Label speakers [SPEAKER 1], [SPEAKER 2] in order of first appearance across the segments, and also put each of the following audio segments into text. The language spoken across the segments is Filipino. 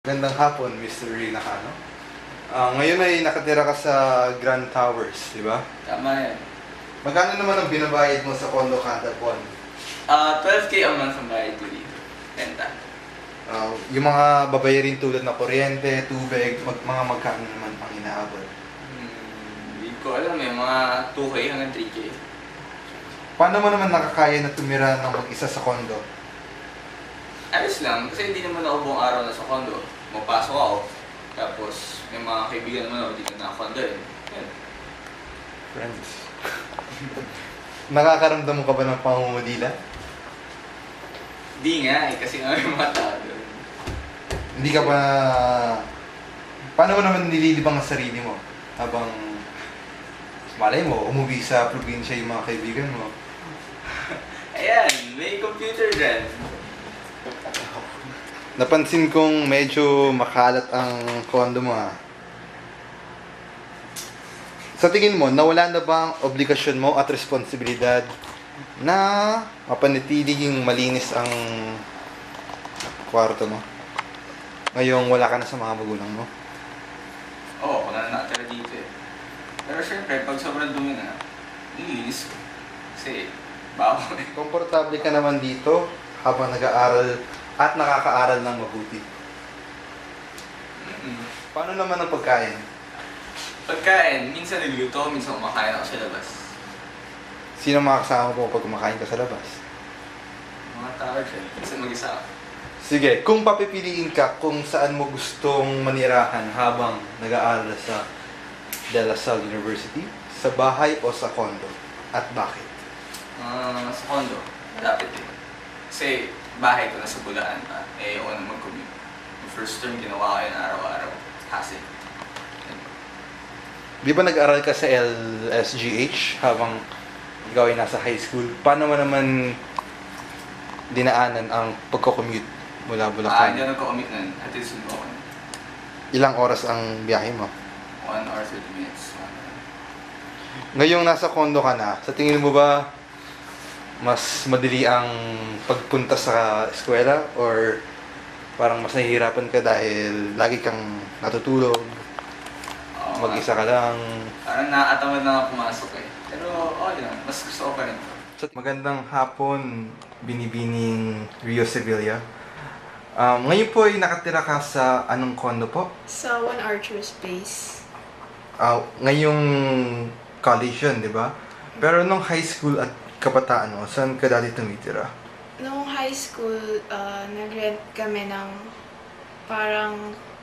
[SPEAKER 1] Magandang hapon, Mr. Ray Nakano. Ngayon ay nakatira ka sa Grand Towers, di ba?
[SPEAKER 2] Tama yan.
[SPEAKER 1] Magkano naman ang binabayad mo sa condo kada buwan?
[SPEAKER 2] 12K a month ang bayad ko dito. Renta.
[SPEAKER 1] Yung mga babayarin tulad na kuryente, tubig, mga magkano naman pang inaabot?
[SPEAKER 2] Hindi ko alam eh, mga 2K hanggang 3K.
[SPEAKER 1] Paano mo naman nakakaya na tumira ng mag-isa sa condo?
[SPEAKER 2] Ayos lang, kasi hindi naman ako buong araw na sa condo. Mapasok ako, tapos may mga kaibigan naman ako dito na condo eh. Yan.
[SPEAKER 1] Friends. Nakakaramdam mo ka ba ng pangungudila?
[SPEAKER 2] Di nga eh, kasi nga may mga tao doon.
[SPEAKER 1] Hindi ka ba... Paano mo naman nililibang ang sarili mo? Habang... Malay mo, umuwi sa probinsya yung mga kaibigan mo.
[SPEAKER 2] Ayan, may computer dyan.
[SPEAKER 1] Napansin kong medyo makalat ang condo mo Sa tingin mo, nawala na ba ang obligasyon mo at responsibilidad na mapanatiling malinis ang kwarto mo? Ngayong wala ka na sa mga magulang mo.
[SPEAKER 2] Oo, wala na nakatira dito eh. Pero syempre, pag sobrang dumi na, nilinis ko. Kasi, bago eh.
[SPEAKER 1] Komportable ka naman dito habang nag-aaral at nakakaaral ng mabuti. Paano naman ang pagkain?
[SPEAKER 2] Pagkain, minsan niluluto, minsan kumakain ako sa labas.
[SPEAKER 1] Sino mga kasama mo pag kumakain ka sa labas?
[SPEAKER 2] Mga tao dyan, minsan mag-isa ako.
[SPEAKER 1] Sige, kung papipiliin ka kung saan mo gustong manirahan habang nag-aaral sa De La Salle University, sa bahay o sa condo? At bakit?
[SPEAKER 2] Sa condo, malapit eh. Kasi bahay ko nasa Bulaan pa, eh ako na mag-commute. Yung first term, ginawa ko yun araw-araw. Kasi,
[SPEAKER 1] Di ba nag-aral ka sa LSGH habang ikaw ay nasa high school? Paano mo naman dinaanan ang pagko-commute mula
[SPEAKER 2] hindi
[SPEAKER 1] Bulacan?
[SPEAKER 2] ako nagko-commute nun. Hatid sundo ako.
[SPEAKER 1] Ilang oras ang biyahe mo?
[SPEAKER 2] 1 hour 30 minutes.
[SPEAKER 1] Ngayong nasa condo ka na, sa tingin mo ba mas madali ang pagpunta sa eskwela or parang mas nahihirapan ka dahil lagi kang natutulog, mag-isa ka lang?
[SPEAKER 2] Parang nakakatamad na ako pumasok eh. Pero okay lang, mas gusto ko pa rin.
[SPEAKER 1] Magandang hapon, Binibining Rio Sevilla. Ngayon po ay nakatira ka sa anong condo po?
[SPEAKER 3] Sa One Archer's Place.
[SPEAKER 1] Ngayong college yun, di ba? Pero nung high school at kabataan mo, saan ka dati tumitira?
[SPEAKER 3] Noong high school, nag-rent kami ng parang,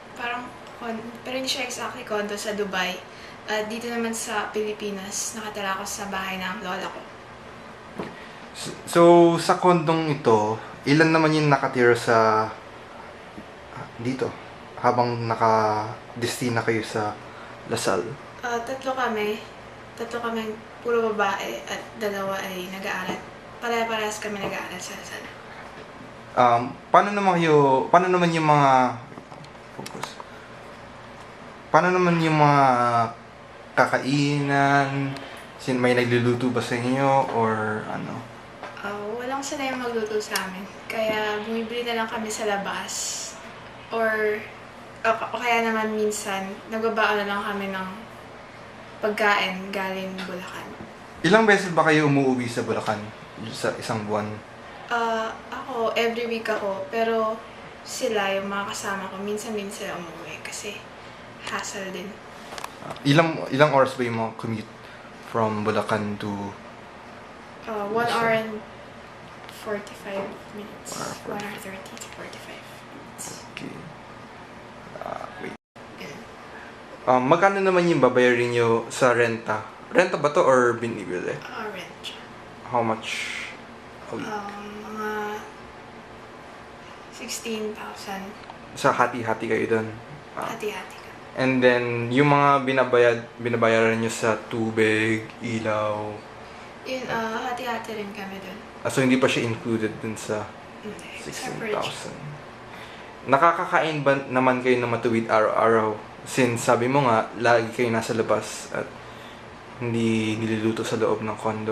[SPEAKER 3] pero hindi siya exactly condo sa Dubai. At dito naman sa Pilipinas, nakatira ako sa bahay ng lola ko.
[SPEAKER 1] So, sa kondong ito, ilan naman yung nakatira sa dito habang naka-destina kayo sa Lasal?
[SPEAKER 3] Tatlo kami. Tatlo kami, puro babae at dalawa ay nag-aaral. Pare-parehas kami nag-aaral sa Lasal.
[SPEAKER 1] Paano naman yung mga focus? Paano naman yung mga kakainan? May nagluluto ba sa inyo or ano?
[SPEAKER 3] Walang sanay magluto sa amin. Kaya bumibili na lang kami sa labas. Or o kaya naman minsan, nagbabaon na lang kami ng pagkain galing Bulacan.
[SPEAKER 1] Ilang beses ba kayo umuwi sa Bulacan sa isang buwan?
[SPEAKER 3] Ako, every week ako. Pero sila, yung mga kasama ko, minsan-minsan umuwi kasi hassle din.
[SPEAKER 1] Ilang oras ba yung mga commute from Bulacan to
[SPEAKER 3] 1 hour and 45 minutes. 1
[SPEAKER 1] Ah,
[SPEAKER 3] hour 30 to 45 minutes.
[SPEAKER 1] Okay. Wait.
[SPEAKER 3] Ganun.
[SPEAKER 1] Magkano naman yung babayarin nyo sa renta? Renta ba to or binibili?
[SPEAKER 3] Rent.
[SPEAKER 1] How much a week?
[SPEAKER 3] Mga 16,000.
[SPEAKER 1] Sa hati-hati kayo doon.
[SPEAKER 3] Hati-hati ka.
[SPEAKER 1] And then, yung mga binabayaran nyo sa tubig, ilaw,
[SPEAKER 3] Yun, hati-hati rin kami dun.
[SPEAKER 1] so hindi pa siya included dun sa
[SPEAKER 3] Hindi. Separate siya.
[SPEAKER 1] 16,000. Nakakakain ba naman kayo na matuwid araw-araw? Since sabi mo nga, lagi kayo nasa labas at hindi niluluto sa loob ng condo.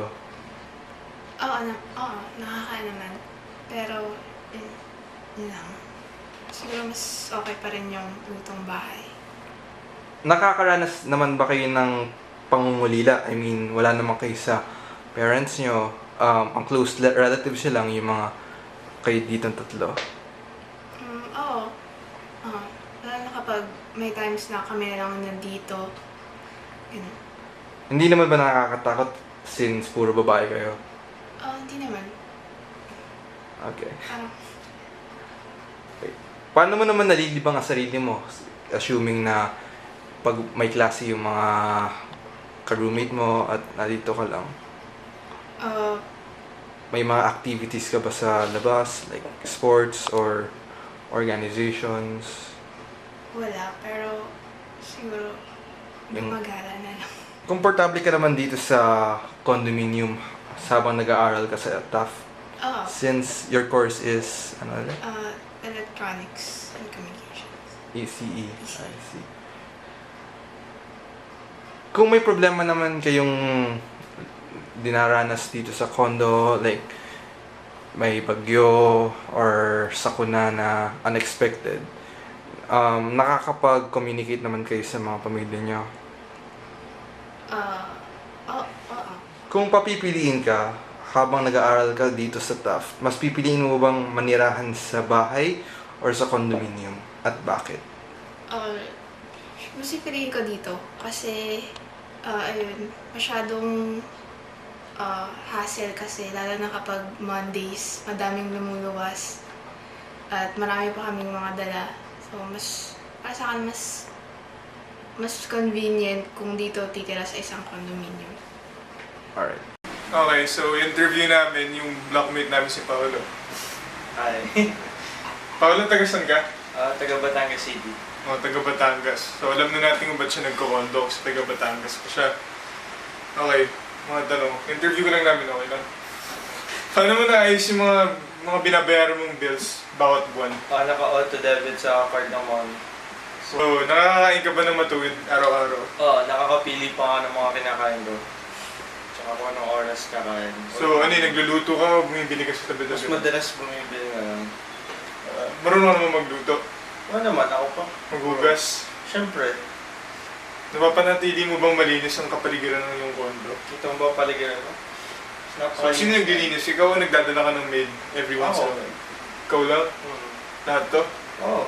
[SPEAKER 3] Oo, nakakain naman. Pero, yun lang. siguro mas okay pa rin yung lutong bahay.
[SPEAKER 1] Nakakaranas naman ba kayo ng pangungulila? I mean, wala naman kayo sa parents nyo. Ang close relatives nyo lang, yung mga kayo ditong tatlo.
[SPEAKER 3] Oo. Lalo na kapag may times na kami na lang nandito. Ganun.
[SPEAKER 1] Hindi naman ba nakakatakot since puro babae kayo?
[SPEAKER 3] Hindi naman.
[SPEAKER 1] Okay.
[SPEAKER 3] Parang,
[SPEAKER 1] Paano mo naman nalilibang ang sarili mo? Assuming na pag may klase yung mga ka-roommate mo at nandito ka lang. May mga activities ka ba sa labas? Like sports or organizations?
[SPEAKER 3] wala. Pero, siguro,
[SPEAKER 1] Yung-
[SPEAKER 3] mag-gala na lang.
[SPEAKER 1] Komportable ka naman dito sa condominium habang nag-aaral ka sa TAF?
[SPEAKER 3] Oo.
[SPEAKER 1] Since your course is, ano ulit?
[SPEAKER 3] Electronics and Communications.
[SPEAKER 1] ECE. I see. Kung may problema naman kayong dinaranas dito sa condo, like may bagyo or sakuna na unexpected, nakakapag-communicate naman kayo sa mga pamilya nyo.
[SPEAKER 3] Oo.
[SPEAKER 1] Kung papipiliin ka, habang nag-aaral ka dito sa TAF, mas pipiliin mo bang manirahan sa bahay or sa condominium? At bakit?
[SPEAKER 3] Mas pipiliin ko dito kasi, ayun, masyadong hassle kasi, lalo na kapag Mondays, madaming lumuluwas at marami pa kaming mga dala. So, para sa akin, mas convenient kung dito titira sa isang condominium.
[SPEAKER 1] Alright.
[SPEAKER 4] Okay, so interview namin yung blockmate namin si Paolo.
[SPEAKER 2] Hi.
[SPEAKER 4] Paolo, taga saan ka?
[SPEAKER 2] Taga Batangas City.
[SPEAKER 4] Taga Batangas. So alam na natin kung ba't siya nagko-condo kasi taga Batangas pa siya. Okay, mga tanong. Interview ko lang namin, okay lang? Paano mo naayos yung mga binabayaran mong bills bawat buwan?
[SPEAKER 2] Naka-auto debit sa card ng mom.
[SPEAKER 4] So, nakakakain ka ba ng matuwid araw-araw?
[SPEAKER 2] Nakakapili pa nga ng mga kinakain ko. Tsaka kung anong oras kakain.
[SPEAKER 4] So, nagluluto ka o bumibili ka sa tabi-tabi?
[SPEAKER 2] Mas madalas bumibili na lang.
[SPEAKER 4] Marunong ka naman magluto?
[SPEAKER 2] Naman, ako pa.
[SPEAKER 4] Maghugas?
[SPEAKER 2] Siyempre.
[SPEAKER 4] Napapanatili mo bang malinis ang kapaligiran ng iyong condo?
[SPEAKER 2] Ito ba paligiran ko?
[SPEAKER 4] So, sino naglilinis? Ikaw o nagdadala ka ng maid every once in a while? Ikaw lang? Lahat to?
[SPEAKER 2] Oo.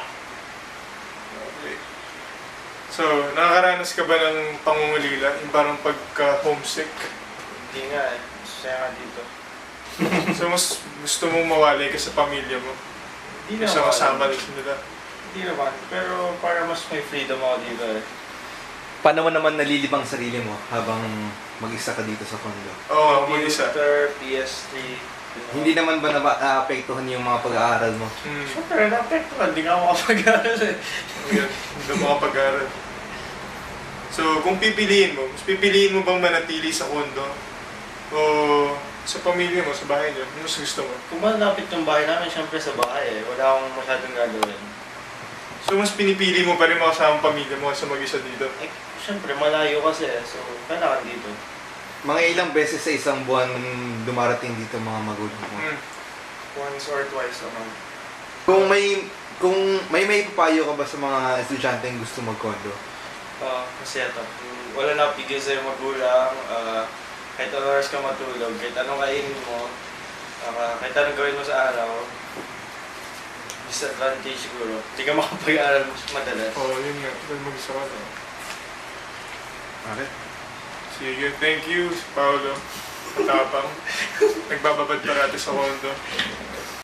[SPEAKER 4] Okay. So, nakakaranas ka ba ng pangungulila? Yung parang pagka-homesick?
[SPEAKER 2] Hindi nga eh. Masaya nga dito.
[SPEAKER 4] So, mas gusto mong mawalay ka sa pamilya mo?
[SPEAKER 2] Hindi
[SPEAKER 4] Kaysa
[SPEAKER 2] naman.
[SPEAKER 4] kasama nila?
[SPEAKER 2] Hindi naman. Pero para mas may freedom ako dito eh.
[SPEAKER 1] Paano mo naman nalilibang sarili mo habang mag-isa ka dito sa condo?
[SPEAKER 4] Oo, mag-isa.
[SPEAKER 2] Computer, PS3.
[SPEAKER 1] Hindi naman ba naapektuhan yung mga pag-aaral mo?
[SPEAKER 2] Siyempre, na-apektuhan. Hindi nga ako kapag-aaral eh.
[SPEAKER 4] Hindi mo kapag-aral. So, kung pipiliin mo, mas pipiliin mo bang manatili sa condo? O sa pamilya mo, sa bahay niyo? Ano mas gusto mo?
[SPEAKER 2] Kung malapit yung bahay namin, siyempre sa bahay eh. Wala akong masyadong gagawin.
[SPEAKER 4] So, mas pinipili mo pa rin makasama ang pamilya mo sa mag-isa dito?
[SPEAKER 2] Eh, siyempre, malayo kasi eh. So, kailangan dito.
[SPEAKER 1] Mga ilang beses sa isang buwan dumarating dito mga magulang mo?
[SPEAKER 2] Once or twice a month.
[SPEAKER 1] Kung may papayo ka ba sa mga estudyante yung gusto mag-condo?
[SPEAKER 2] Kasi ito, wala na pigil sa'yo magulang, kahit anong oras ka matulog, kahit anong kainin mo, kahit anong gawin mo sa araw, disadvantage siguro. Hindi ka makapag-aaral mas madalas.
[SPEAKER 4] Oo, yun nga. Dahil mag-isa ka na.
[SPEAKER 1] Okay.
[SPEAKER 4] Sige, thank you, Paolo. Katapang. Nagbababad parati sa condo.